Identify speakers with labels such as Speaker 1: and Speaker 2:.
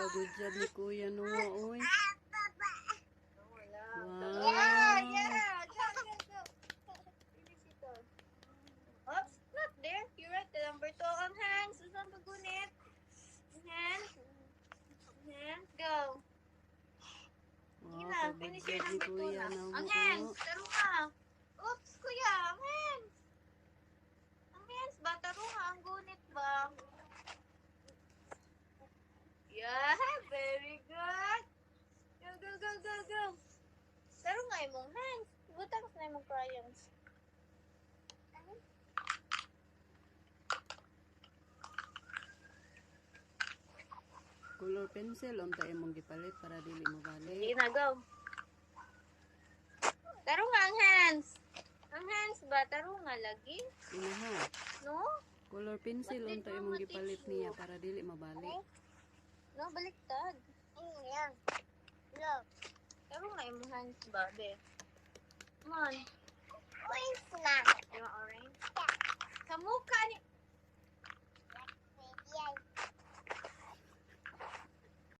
Speaker 1: Pagod dyan ni Kuya Noah, oy. Wow.
Speaker 2: Yeah. Go. Finish it all. Oops, not there. You're right. The number 2 on hands. Susan pagunit. Hands. Hands. Go. Sige
Speaker 1: Wow,
Speaker 2: na.
Speaker 1: pagod
Speaker 2: Finish
Speaker 1: dyan
Speaker 2: your
Speaker 1: ni
Speaker 2: number 2
Speaker 1: Kuya
Speaker 2: na.
Speaker 1: Noah.
Speaker 2: Ang hands. Taro ka. Oops, kuya. Ang hands. Ang hands ba? Taro ka. Ang gunit ba? Yeah, very good. Go. Taro nga imong hands. Butang na imong crayons.
Speaker 1: Color pencil, unta imong gipalit para dili
Speaker 2: Sige
Speaker 1: mabalik.
Speaker 2: na, go. Taro nga ang hands. Ang hands ba? Taro nga lagi?
Speaker 1: Inaha.
Speaker 2: No?
Speaker 1: Color pencil, unta imong gipalit niya para dili mabalik.
Speaker 2: No, baliktad. Yan. Go. Taro nga imong hands ba, be? Come on. Orange na. You want orange? Sa mukha ni...